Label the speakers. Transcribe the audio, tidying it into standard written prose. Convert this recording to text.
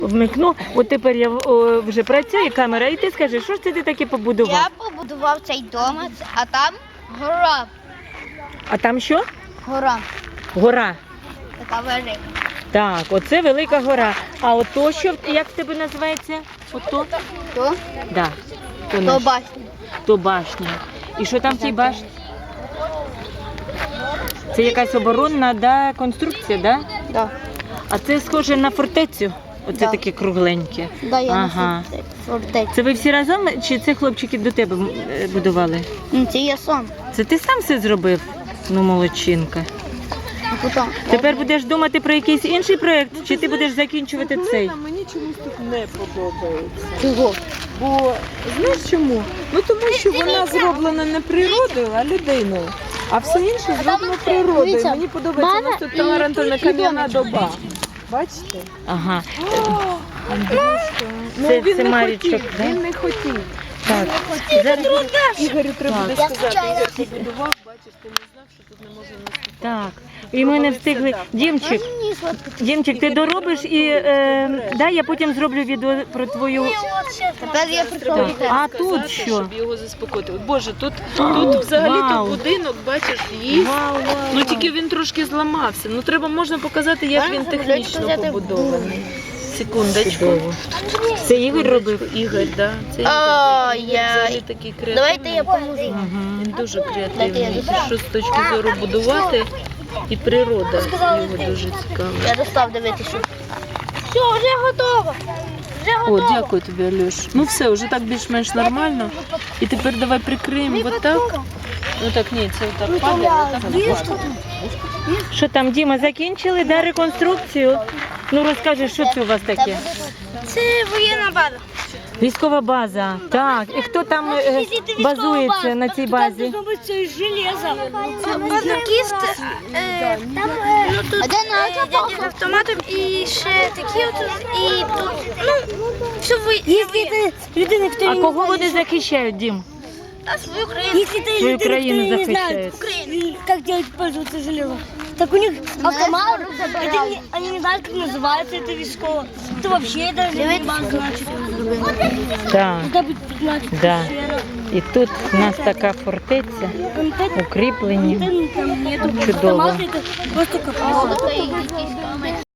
Speaker 1: Вмикну, от тепер я вже працює камера, і ти скажи, що ж це ти таке побудував?
Speaker 2: Я побудував цей домець, а там гора.
Speaker 1: А там що?
Speaker 2: Гора.
Speaker 1: Гора.
Speaker 2: Така велика.
Speaker 1: Так, оце велика гора. А ото що, як в тебе називається? Ото?
Speaker 2: То?
Speaker 1: Да.
Speaker 2: То
Speaker 1: наш.
Speaker 2: башня.
Speaker 1: То башня. І що там в тій башні? Це якась оборонна, да, конструкція, да?
Speaker 2: Да.
Speaker 1: А це схоже на фортецю? Оце
Speaker 2: Да.
Speaker 1: таке кругленьке.
Speaker 2: Да, я
Speaker 1: Ага.
Speaker 2: на фортеці.
Speaker 1: Це ви всі разом, чи це хлопчики до тебе будували?
Speaker 2: Це я сам.
Speaker 1: Це ти сам все зробив? Ну, молодчинка.
Speaker 2: А потім.
Speaker 1: Тепер будеш думати про якийсь інший проєкт, чи ти будеш закінчувати цей?
Speaker 3: Мені чомусь тут не подобається.
Speaker 2: Чого?
Speaker 3: Бо знаєш чому? Ну тому що вона зроблена не природою, а людиною. А все інше зроблено природою.
Speaker 2: дивіться,
Speaker 3: Мені подобається, у нас тут Тамарантовна кам'яна доба. Бачите?
Speaker 1: Ага.
Speaker 3: Андрюшка. Ну
Speaker 1: Це-
Speaker 3: він
Speaker 1: це
Speaker 3: не
Speaker 1: Марічок,
Speaker 3: хотів.
Speaker 1: да?
Speaker 3: Він не хотів.
Speaker 1: Так. Зараз...
Speaker 3: Ігорю треба
Speaker 1: Так.
Speaker 3: буде сказати. Ігор побудував, бачиш, ти не знав, що тут не можна наступати.
Speaker 1: Так. І ми не встигли. Дімчик,
Speaker 2: Мені сладко.
Speaker 1: Дімчик, ти доробиш і дай я потім зроблю відео про твою.
Speaker 2: Тепер я прийшов
Speaker 1: Так.
Speaker 2: від
Speaker 1: А тут
Speaker 3: Сказати,
Speaker 1: що?
Speaker 3: щоб його заспокоїти. Боже, тут взагалі-то
Speaker 1: Вау.
Speaker 3: будинок, бачиш, є.
Speaker 1: Вау, вау,
Speaker 3: Ну
Speaker 1: вау.
Speaker 3: тільки він трошки зламався. Ну треба можна показати, як він технічно побудований. Секундочку.
Speaker 1: Чудово. Це Ігор робив?
Speaker 3: Ігор, да. Це
Speaker 2: О,
Speaker 3: Ігор. Він
Speaker 2: я-
Speaker 3: взагалі такий креативний.
Speaker 2: Давайте я поможу.
Speaker 1: Угу.
Speaker 3: Він дуже
Speaker 2: Дайте я
Speaker 3: креативний.
Speaker 2: достав.
Speaker 3: Що з точки зору будувати і природа його дуже цікава.
Speaker 2: Я достав дивитися. Все, вже готово. Вже
Speaker 3: О,
Speaker 2: готово.
Speaker 3: дякую тобі, Альош. Ну все, вже так більш-менш нормально. І тепер давай прикриємо отак. Ну так, ні, це отак падає, отак.
Speaker 1: Що там, Діма, закінчили, да, реконструкцію? Ну розкажи, що це у вас таке?
Speaker 2: Це воєнна база.
Speaker 1: Військова база. Так, і хто там базується на цій базі?
Speaker 2: Банкіст, там дядя автоматом і ще такі от, і тут, ну, все ви...
Speaker 1: А кого вони захищають, Дім?
Speaker 2: Та свою країну.
Speaker 4: Если ты
Speaker 1: Свою
Speaker 4: люди,
Speaker 1: країну
Speaker 4: которые не
Speaker 1: захищають.
Speaker 4: знают, как делать пользоваться железом, так у них автомат, они не знают, как называется это військово. Это вообще даже не значит.
Speaker 1: Так,
Speaker 4: Когда будет 15
Speaker 1: да. І тут у нас така фортеця, укріплені.
Speaker 4: Там нету
Speaker 1: Чудово.
Speaker 4: автомата, это просто капец.